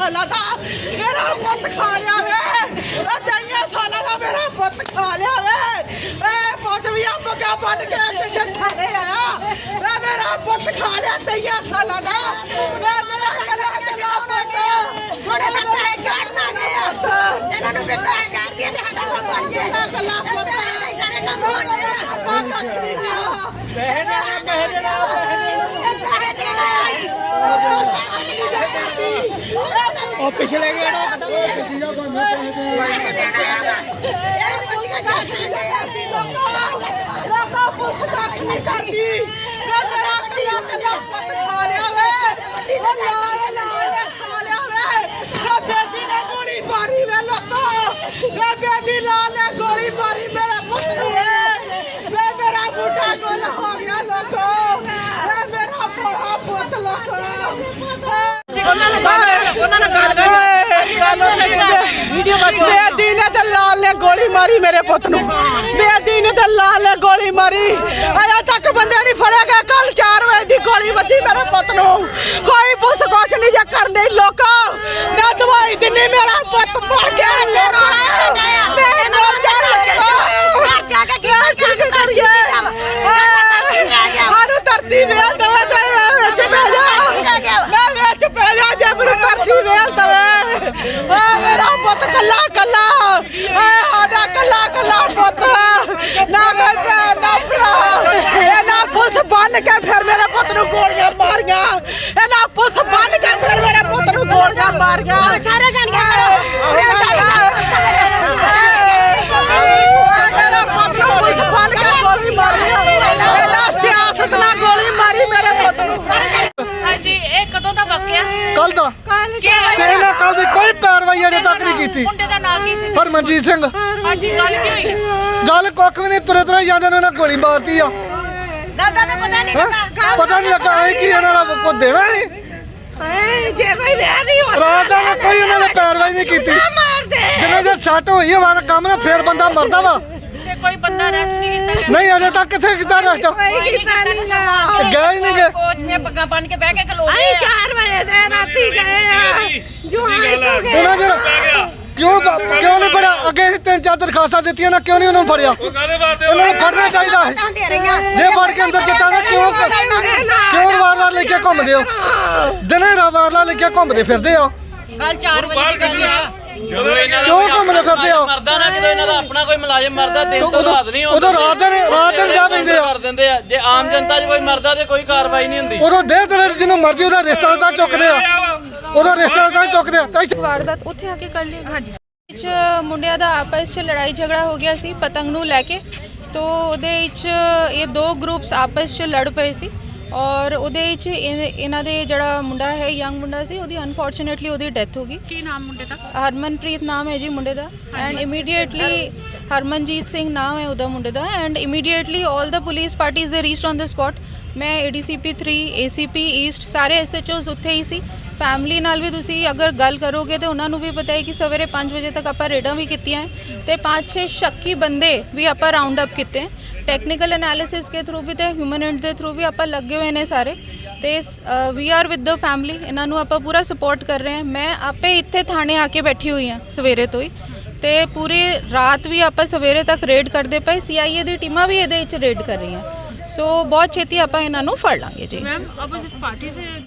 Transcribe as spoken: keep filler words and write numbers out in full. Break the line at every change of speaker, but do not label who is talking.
साल का मेरा पुत खा लिया वे तेईस साल का मेरा पुत खा लिया वे पौचविया पगा बन के पीछे खड़े आया मेरा पुत खा लिया तेईस साल का मेरा गला गला पुत थोड़े से पैसे काटना गया इन्होंने भी पैसे काट दिए थे हटा को बन गया गला पुत सारे ना बोल बहना बहना और पिछले गया ना गोली मारी वे लोगो बेदी लाल ने गोली मारी मेरा पुत्र वे मेरा बूढ़ा गोल हो गया लोगो मेरा बड़ा पुत लोगो बेदी ने ते लाल ने गोली मारी मेरे पुत नूं बेदी ने ते लाल ने गोली मारी अजे तक बंदे नहीं फड़े गए कल चार बजे दी गोली बची मेरे पुत नूं कोई पुलिस कुछ नहीं जे करनी लोका मैं दवाई दिनी मेरा पुत मर गया मैं मर जाके करिए हारू धरती वेल दवे ते विच पै जा मैं विच पै जा जे मेरी धरती वेल दवे आ मेरा पुत कल्ला कल्ला आ साडा कल्ला कल्ला पुत ना कोई भैन ना भरा ना पुलिस बन के फिर मेरे पुत नूं गोलियां मारियां ना पुलिस बन के फिर मेरे पुत नूं गोलियां मारियां सारे जण गए मेरे पुत नूं पुलिस बन के गोली मारी ना सियासत ना गोली मारी मेरे पुत नूं
ਹਾਂਜੀ ਇਹ ਕਦੋਂ ਦਾ ਵਾਕਿਆ
ਕੱਲ ਦਾ ਤੇ ਇਹਨਾਂ ਕੱਲ ਦੀ ਕੋਈ ਪੈਰਵਾਈ ਅਜੇ ਤੱਕ ਨਹੀਂ ਕੀਤੀ
ਮੁੰਡੇ ਦਾ ਨਾਂ ਕੀ ਸੀ
ਹਰਮਨਜੀਤ ਸਿੰਘ
ਹਾਂਜੀ ਗੱਲ ਕੀ ਹੋਈ
ਗੱਲ ਕੁੱਖ ਵੀ ਨਹੀਂ ਤੁਰੇ ਤੁਰੇ ਜਾਂਦੇ ਨੇ ਉਹਨਾਂ ਗੋਲੀ ਮਾਰਤੀ ਆ
ਦਾਦਾ ਦਾ ਪਤਾ ਨਹੀਂ
ਹੈਂ? ਪਤਾ ਨਹੀਂ ਲੱਗਾ ਇਹ ਕੀ ਇਹਨਾਂ ਦਾ ਕੋ ਦੇਣਾ ਨਹੀਂ
ਜੇ ਕੋਈ ਵਿਆਹ ਨਹੀਂ ਹੋਣਾ
ਰਾਤ ਦਾ ਨਾ ਕੋਈ ਇਹਨਾਂ ਨੇ ਪੈਰਵਾਈ ਨਹੀਂ ਕੀਤੀ
ਮਾਰ ਦੇ
ਜਿੰਨੇ ਜੇ ਸੱਟ ਹੋਈ ਆ ਵਾਲਾ ਕੰਮ ਨਾ ਫੇਰ ਬੰਦਾ ਮਰਦਾ ਵਾ
ਤੇ ਕੋਈ ਬੰਦਾ ਰੈਸਟ ਨਹੀਂ ਕੀਤਾ
ਨਹੀਂ ਅਜੇ ਤੱਕ ਕਿੱਥੇ ਕੀਤਾ ਰਸਟ
ਕੋਈ ਕੀਤਾ ਨਹੀਂ ਗਾ
ਗਏ ਹੀ ਨਹੀਂ ਗਏ
ਕੋਚ ਨੇ ਪੱਗਾਂ ਬੰਨ ਕੇ ਬਹਿ ਕੇ ਖਲੋ
ਅਸੀਂ
ਗਏ
ਚਾਰ ਵਜੇ ਦੇ ਰਾਤੀ ਗਏ ਆ ਜੁਆਈ ਤੋਂ ਗਏ
ਉਹਨਾਂ ਜਰ ਕਿਉਂ ਬ- ਕਿਉਂ ਨਹੀਂ ਫੜਿਆ ਅੱਗੇ ਅਸੀਂ ਤਿੰਨ ਚਾਰ ਦਰਖਾਸਤਾਂ ਦਿੱਤੀਆਂ ਨਾ ਕਿਉਂ ਨਹੀਂ ਉਹਨਾਂ ਨੂੰ ਫੜਿਆ ਉਹਨਾਂ ਨੂੰ ਫੜਨਾ ਚਾਹੀਦਾ ਹੈ ਜੇ ਫੜ ਕੇ ਅੰਦਰ ਕੀਤਾ ਨਾ ਕਿਉਂ ਕਿਉਂ ਵਾਰ-ਵਾਰ ਲੈ ਕੇ ਘੁੰਮਦੇ ਹੋ ਦਿਨੇ ਵਾਰ-ਵਾਰ ਲੈ ਕੇ ਘੁੰਮਦੇ ਫਿਰਦੇ ਆ
ਕੱਲ ਚਾਰ ਵਜੇ ਦੀ ਗੱਲ ਆ
ਜਦੋਂ ਇਹਨਾਂ ਦਾ
ਕਿਉਂ ਘੁੰਮਦੇ ਫਿਰਦੇ ਆ
ਮਰਦਾ ਨਾ ਜਦੋਂ ਇਹਨਾਂ ਦਾ ਆਪਣਾ ਕੋਈ ਮੁਲਾਜ਼ਮ ਮਰਦਾ ਦਿਨ ਤੋਂ
ਉਦੋਂ-
ਰਾਤ ਨਹੀਂ ਹੁੰਦਾ
ਉਦੋਂ ਰਾਤ ਦਿਨ ਰਾਤ ਦਿਨ ਜਾ ਪੈਂਦੇ ਆ
ਕਰ ਦਿੰਦੇ ਆ ਜੇ ਆਮ ਜਨਤਾ 'ਚ ਕੋਈ ਮਰਦਾ ਤੇ ਕੋਈ ਕਾਰਵਾਈ ਨਹੀਂ ਹੁੰਦੀ
ਉਦੋਂ ਦੇਹ ਤੇ ਜਿਹਨੂੰ ਮਰਜ਼ੀ ਉਹਦਾ ਰਿਸ਼ਤੇਦਾਰ ਚੁੱਕਦੇ ਆ ਉਹਦਾ ਰਿਸ਼ਤੇਦਾਰ ਚੁੱਕਦੇ ਆ ਤਾਂ ਇੱਥੇ
ਵਾਰਦਾਤ ਉੱਥੇ ਆ ਕੇ ਕਰ ਲਈ ਹਾਂਜੀ ਵਿੱਚ ਮੁੰਡਿਆਂ ਦਾ ਆਪਸ 'ਚ ਲੜਾਈ ਝਗੜਾ ਹੋ ਗਿਆ ਸੀ ਪਤੰਗ ਨੂੰ ਲੈ ਕੇ ਤੋ ਉਹਦੇ ਵਿੱਚ ਇਹ ਦੋ ਗਰੁੱਪਸ ਆਪਸ 'ਚ ਲੜ ਪਏ ਸੀ ਔਰ ਉਹਦੇ ਵਿੱਚ ਇਨ- ਇਹਨਾਂ ਦੇ ਜਿਹੜਾ ਮੁੰਡਾ ਹੈ ਯੰਗ ਮੁੰਡਾ ਸੀ ਉਹਦੀ ਅਨਫੋਰਚੂਨੇਟਲੀ ਉਹਦੀ ਡੈਥ ਹੋ ਗਈ
ਕੀ ਨਾਮ ਮੁੰਡੇ ਦਾ
ਹਰਮਨਪ੍ਰੀਤ ਨਾਮ ਹੈ ਜੀ ਮੁੰਡੇ ਦਾ ਐਂਡ ਇਮੀਡੀਏਟਲੀ ਹਰਮਨਜੀਤ ਸਿੰਘ ਨਾਮ ਹੈ ਉਹਦਾ ਮੁੰਡੇ ਦਾ and immediately all the police parties ਦੇ ਰੀਚਡ ਔਨ ਦ ਸਪੌਟ ਮੈਂ ਏਡੀਸੀਪੀ ਥ੍ਰੀ ਏਸੀਪੀ ਈਸਟ ਸਾਰੇ ਐਸਐਚਓਸ ਉੱਥੇ ਹੀ ਸੀ ਫੈਮਿਲੀ ਨਾਲ ਵੀ ਤੁਸੀਂ ਅਗਰ ਗੱਲ ਕਰੋਗੇ ਤੇ ਉਹਨਾਂ ਨੂੰ ਵੀ ਪਤਾ ਹੈ ਕਿ ਸਵੇਰੇ ਪੰਜ ਵਜੇ ਤੱਕ ਆਪਾਂ ਰੇਡਾਂ ਵੀ ਕੀਤੀਆਂ ਤੇ ਪੰਜ ਛੇ ਸ਼ੱਕੀ ਬੰਦੇ ਵੀ ਆਪਾਂ ਰਾਉਂਡ ਅਪ ਕੀਤੇ ਟੈਕਨੀਕਲ ਐਨਾਲਿਸਿਸ ਦੇ ਥਰੂ ਵੀ ਤੇ ਹਿਊਮਨ ਐਂਡ ਦੇ ਥਰੂ ਵੀ ਆਪਾਂ ਲੱਗੇ ਹੋਏ ਨੇ ਸਾਰੇ ਤੇ we are with the family ਇਹਨਾਂ ਨੂੰ ਆਪਾਂ ਪੂਰਾ ਸਪੋਰਟ ਕਰ ਰਹੇ ਹਾਂ ਮੈਂ ਆਪੇ ਇੱਥੇ ਥਾਣੇ ਆ ਕੇ ਬੈਠੀ ਹੋਈ ਹਾਂ ਸਵੇਰੇ ਤੋਂ ਹੀ ਤੇ ਪੂਰੀ ਰਾਤ ਵੀ ਆਪਾਂ ਸਵੇਰੇ ਤੱਕ ਰੇਡ ਕਰਦੇ ਪਏ ਸੀਆਈਏ ਦੀ ਟੀਮਾਂ ਵੀ ਇਹਦੇ ਵਿੱਚ ਰੇਡ ਕਰ ਰਹੀਆਂ ਸੋ ਬਹੁਤ ਛੇਤੀ ਆਪਾਂ ਇਹਨਾਂ ਨੂੰ ਫੜ ਲਾਂਗੇ ਜੀ
ਮੈਮ ਆਪੋਜ਼ਿਟ ਪਾਰਟੀ ਸੇ